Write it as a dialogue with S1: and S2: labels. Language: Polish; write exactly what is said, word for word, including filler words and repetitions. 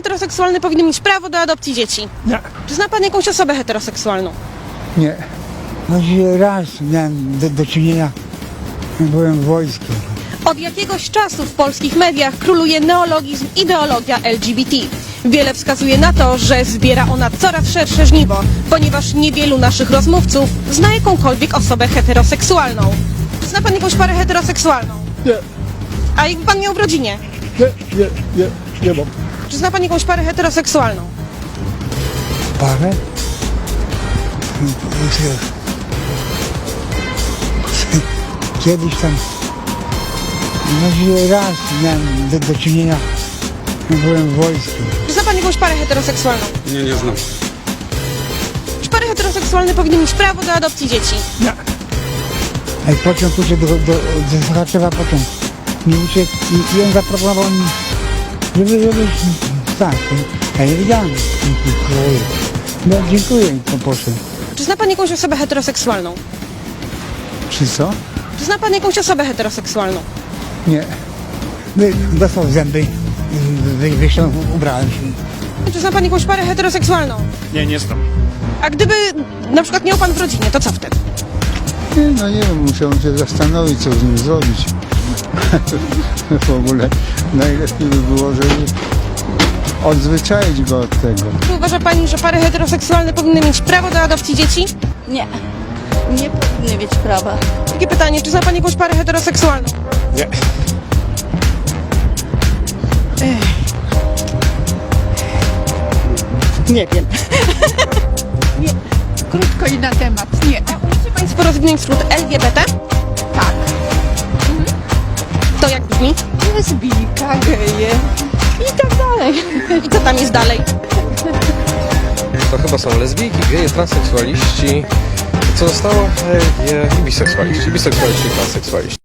S1: heteroseksualny powinien mieć prawo do adopcji dzieci?
S2: Nie.
S1: Czy zna pan jakąś osobę heteroseksualną?
S2: Nie. Choć raz miałem do, do czynienia, byłem w wojsku.
S1: Od jakiegoś czasu w polskich mediach króluje neologizm ideologia L G B T. Wiele wskazuje na to, że zbiera ona coraz szersze żniwo, ponieważ niewielu naszych rozmówców zna jakąkolwiek osobę heteroseksualną. Zna pan jakąś parę heteroseksualną?
S2: Nie,
S1: A jakby pan miał w rodzinie?
S2: nie, nie, nie, nie mam.
S1: Czy zna pan jakąś parę heteroseksualną?
S2: Parę? Kiedyś tam, choć raz miałem do, do czynienia, byłem w wojsku.
S1: Czy zna pan jakąś parę heteroseksualną?
S3: Nie, nie znam.
S1: Czy pary heteroseksualne powinny mieć prawo do adopcji dzieci?
S2: Nie. Ej, pociąg uciekł do, do, do Sochaczewa, pociąg mi uciekł i, i on zaproponował mi, żeby, żeby, tak, ja nie wiedziałem. No dziękuję i to poszedł.
S1: Czy zna pan jakąś osobę heteroseksualną?
S2: Czy co?
S1: Czy zna pan jakąś osobę heteroseksualną?
S2: Nie. Wy- Dostał zęby, wy, wyszedł, ubrałem się.
S1: Czy zna pan jakąś parę heteroseksualną?
S3: Nie, nie znam.
S1: A gdyby na przykład miał pan w rodzinie, to co wtedy?
S2: Nie, no nie wiem, musiałem się zastanowić, co z nim zrobić. W ogóle najlepiej by było, żeby odzwyczaić go od tego.
S1: Czy uważa pani, że pary heteroseksualne powinny mieć prawo do adopcji dzieci?
S4: Nie, nie powinny mieć prawa.
S1: Takie pytanie, czy zna pani jakąś parę heteroseksualną?
S3: Nie.
S4: Nie wiem.
S5: Krótko i na temat. Nie.
S1: Umiecie państwo rozwinąć skrót L G B T?
S5: Tak.
S1: To jak brzmi?
S5: Lesbijka, geje i tak dalej.
S1: I co tam jest dalej?
S6: To chyba są lesbijki, geje, transseksualiści. Co zostało? E, e, biseksualiści. Biseksualiści i transseksualiści.